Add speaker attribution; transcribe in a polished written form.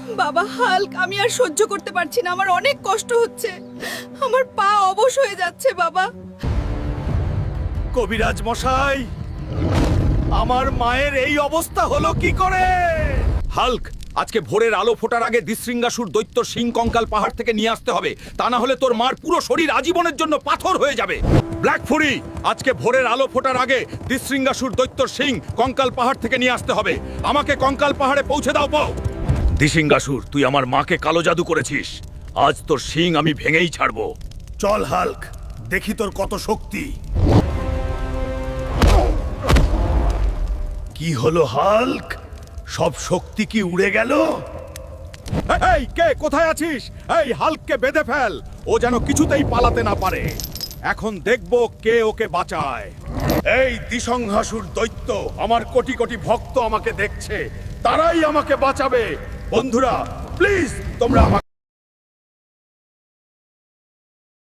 Speaker 1: বাবা হাল্ক, আমি আর সহ্য করতে পারছি না, আমার অনেক কষ্ট হচ্ছে, আমার পা অবশ হয়ে যাচ্ছে বাবা।
Speaker 2: কবিরাজ মশাই, আমার মায়ের এই অবস্থা হলো কি করে? হাল্ক, আজকে ভোরের আলো ফোটার আগে দিশৃঙ্গাসুর দৈত্য সিং কঙ্কাল পাহাড় থেকে নিয়ে আসতে হবে, তা না হলে তোর মার পুরো শরীর আজীবনের জন্য পাথর হয়ে যাবে। ব্ল্যাক ফুরি, আজকে ভোরের আলো ফোটার আগে দিশৃঙ্গাসুর দৈত্য সিং কঙ্কাল পাহাড় থেকে নিয়ে আসতে হবে। আমাকে কঙ্কাল পাহাড়ে পৌঁছে দাও পাও। দিশৃঙ্গাসুর, তুই আমার মাকে কালো জাদু করেছিস, আজ তোর সিং আমি ভেঙেই ছাড়বো। চল হাল্ক, দেখি তোর কত শক্তি। কি হলো হাল্ক, সব শক্তি কি উড়ে গেল? এই কে, কোথায় আছিস? এই হাল্ককে বেঁধে ফেল, ও যেন কিছুতেই পালাতে না পারে। এখন দেখবো কে ওকে বাঁচায়। এই দিশংহাসুর দৈত্য, আমার কোটি কোটি ভক্ত আমাকে দেখছে, তারাই আমাকে বাঁচাবে। বন্ধুরা প্লিজ তোমরা আমাকে